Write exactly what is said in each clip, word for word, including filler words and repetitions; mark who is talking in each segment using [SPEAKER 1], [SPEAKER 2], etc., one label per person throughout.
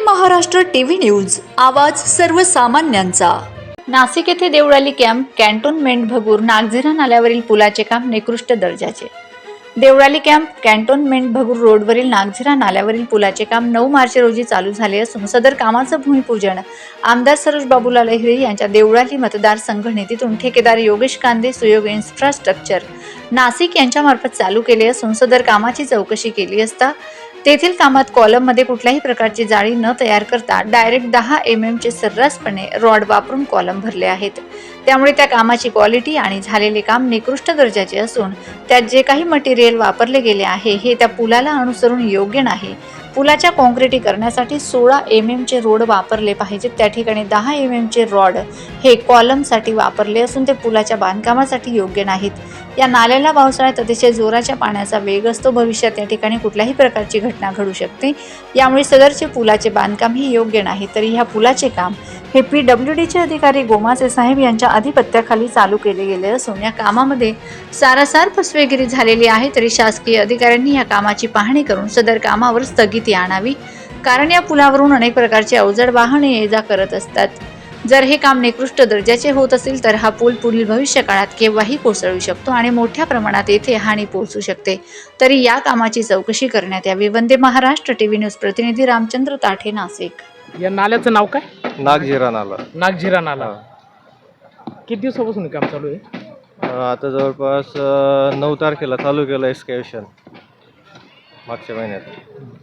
[SPEAKER 1] Maharashtra TV news, आवाज सर्वसामान्यांचा। नाशिक येथे देवळाली कॅम्प कॅन्टोन्मेंट भगूर नागझिरा नाल्यावरील पुलाचे काम निकृष्ट दर्जाचे। देवळाली कॅम्प कॅन्टोन्मेंट भगूर रोडवरील नागझिरा नाल्यावरील पुलाचे काम नऊ मार्च रोजी चालू झाले असून सदर कामाचं भूमिपूजन आमदार सरोज बाबूलाल अहिरे यांच्या देवळाली मतदार संघटनेतून ठेकेदार योगेश कांदे सुयोग इन्फ्रास्ट्रक्चर नाशिक यांच्यामार्फत चालू केले असून सदर कामाची चौकशी केली असता तेथील कामात कॉलममध्ये कुठल्याही प्रकारची जाळी न तयार करता डायरेक्ट दहा एम एम चे सर्रासपणे रॉड वापरून कॉलम भरले आहेत। त्यामुळे त्या कामाची क्वालिटी आणि झालेले काम निकृष्ट दर्जाचे असून त्यात जे काही मटेरियल वापरले गेले आहे हे त्या पुलाला अनुसरून योग्य नाही। पुलाच्या काँक्रिटीकरणासाठी सोळा एम एम चे रोड वापरले पाहिजेत, त्या ठिकाणी दहा एम एम चे रॉड हे कॉलमसाठी वापरले असून ते पुलाच्या बांधकामासाठी योग्य नाहीत। या नाल्याला पावसाळ्यात अतिशय जोराच्या पाण्याचा वेग असतो, भविष्यात या ठिकाणी कुठल्याही प्रकारची घटना घडू शकते। यामुळे सदरचे पुलाचे बांधकाम ही योग्य नाही। तरी ह्या पुलाचे काम हे पी डब्ल्यू डी चे अधिकारी गोमासे साहेब यांच्या अधिपत्याखाली चालू केले गेले असून या कामामध्ये सारासार फसवेगिरी झालेली आहे। तरी शासकीय अधिकाऱ्यांनी या कामाची पाहणी करून सदर कामावर स्थगिती आणावी, कारण या पुलावरून अनेक प्रकारचे अवजड वाहने ये जा करत असतात। जर हे काम निकृष्ट दर्जाचे होत असेल तर हा पूल पुढील भविष्य काळात केव्हाही कोसळू शकतो आणि मोठ्या प्रमाणात येथे हानी पोहोचू शकते। तरी या कामाची चौकशी करण्यात यावी। वंदे महाराष्ट्र टीव्ही न्यूज प्रतिनिधी रामचंद्र ताठे, नाशिक।
[SPEAKER 2] या नाल्याचं नाव काय?
[SPEAKER 3] नागझिरा नाला।
[SPEAKER 2] नागझिरा नाला किती दिवसापासून काम चालू आहे?
[SPEAKER 3] आता जवळपास नऊ तारखेला चालू केलं एक्सकॅव्हेशन, मागच्या महिन्यात।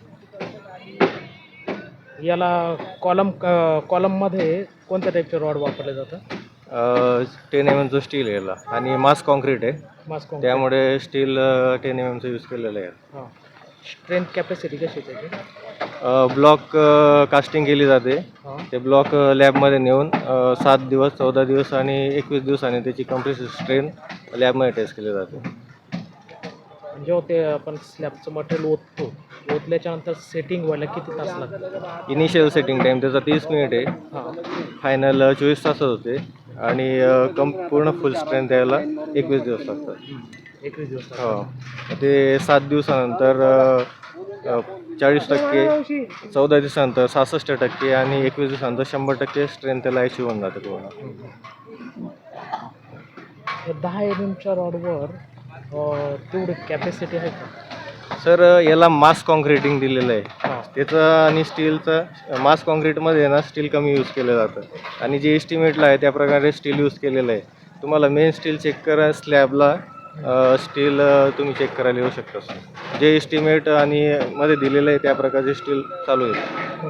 [SPEAKER 2] याला कॉलम कॉलम मध्ये कोणत्या टाईपचे रॉड वापरले जातात?
[SPEAKER 3] टेन एम एमचं स्टील आहे याला आणि मास कॉन्क्रीट आहे,
[SPEAKER 2] मास कॉन्क्रीट,
[SPEAKER 3] त्यामुळे स्टील टेन एम एमचं यूज केलेलं आहे।
[SPEAKER 2] हां, स्ट्रेंथ कॅपॅसिटी कशी आहे त्याची?
[SPEAKER 3] ब्लॉक कास्टिंग केली जाते, ते ब्लॉक लॅबमध्ये नेऊन सात दिवस चौदा दिवस आणि एकवीस दिवसांनी त्याची कम्प्रेसिव्ह स्ट्रेंथ लॅबमध्ये टेस्ट केली जाते।
[SPEAKER 2] जेव्हा ते आपण स्लॅबचं मटेरियल ओततो, ओतल्याच्या नंतर सेटिंग व्हायला किती तास लागतात?
[SPEAKER 3] इनिशियल सेटिंग टाईम त्याचा तीस मिनिट आहे, फायनल चोवीस तासच होते आणि कम पूर्ण फुल स्ट्रेंथ द्यायला एकवीस दिवस लागतात।
[SPEAKER 2] एकवीस दिवस
[SPEAKER 3] हो, ते सात दिवसानंतर चाळीस टक्के, चौदा दिवसानंतर सहासष्ट टक्के आणि एकवीस दिवसानंतर शंभर टक्के स्ट्रेंथ त्याला अचीव होऊन जाते पूर्ण।
[SPEAKER 2] दहा एम एमच्या रॉडवर तेवढी कॅपॅसिटी आहे का?
[SPEAKER 3] सर, याला मास कॉन्क्रिटिंग दिलेलं आहे त्याचं आणि स्टीलचं। मास कॉन्क्रीटमध्ये ना स्टील कमी यूज केलं जातं आणि जे एस्टिमेटला आहे त्या प्रकारे स्टील यूज केलेलं आहे। तुम्हाला मेन स्टील चेक करा, स्लॅबला स्टील तुम्ही चेक करायला येऊ शकता। सर, जे एस्टिमेट आणि मध्ये दिलेलं आहे त्या प्रकारचे स्टील चालू आहे।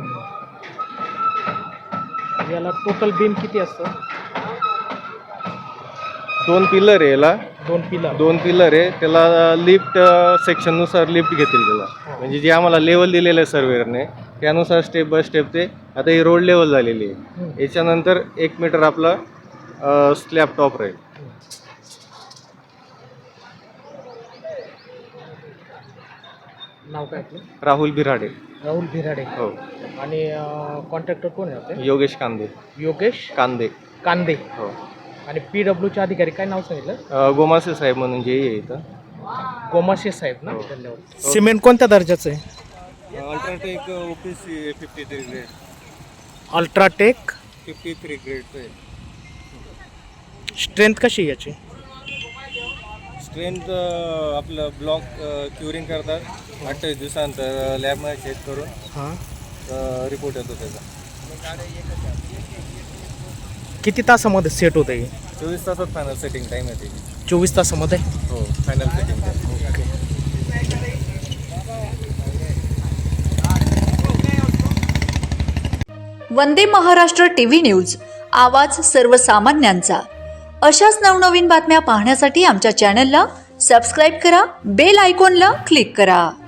[SPEAKER 2] याला टोटल बीम किती असतं?
[SPEAKER 3] दोन पिलर आहे याला,
[SPEAKER 2] दोन पिलर
[SPEAKER 3] दोन पिलर आहे त्याला। लिफ्ट सेक्शननुसार लिफ्ट घेतील त्याला, म्हणजे जे आम्हाला लेवल दिलेलं आहे सर्वेअरने त्यानुसार स्टेप बाय स्टेप ते। आता ही रोड लेवल झालेली आहे, याच्यानंतर एक मीटर आपला स्लॅब टॉप राहील।
[SPEAKER 2] नाव काय आपलं?
[SPEAKER 3] राहुल बिराडे।
[SPEAKER 2] राहुल बिराडे,
[SPEAKER 3] हो।
[SPEAKER 2] आणि कॉन्ट्रॅक्टर कोण आहे आपले?
[SPEAKER 3] योगेश कांदे।
[SPEAKER 2] योगेश
[SPEAKER 3] कांदे
[SPEAKER 2] कांदे,
[SPEAKER 3] हो।
[SPEAKER 2] आणि पी डब्ल्यूचे अधिकारी काय नाव सांगितलं?
[SPEAKER 3] गोमासे साहेब म्हणून जे आहे इथं,
[SPEAKER 2] गोमासे साहेब ना। धन्यवाद। सिमेंट कोणत्या दर्जाचं आहे?
[SPEAKER 3] UltraTech OPC fifty three grade.
[SPEAKER 2] UltraTech
[SPEAKER 3] fifty three ग्रेडचं आहे।
[SPEAKER 2] स्ट्रेंथ कशी आहे याची?
[SPEAKER 3] स्ट्रेंथ आपलं ब्लॉक क्युरिंग करतात, अठ्ठावीस दिवसानंतर लॅबमध्ये चेक करून
[SPEAKER 2] हां
[SPEAKER 3] रिपोर्ट येतो त्याचा।
[SPEAKER 2] किती तासामध्ये सेट होतं हे?
[SPEAKER 3] चोवीस तासात फायनल सेटिंग टाईम येते।
[SPEAKER 2] चोवीस तासामध्ये?
[SPEAKER 3] हो, final setting time.
[SPEAKER 1] Vande Maharashtra TV news, आवाज सर्वसामान्यांचा। अशाच नवनवीन बातम्या पाहण्यासाठी आमच्या चॅनलला सबस्क्राईब करा, बेल आयकॉनला क्लिक करा।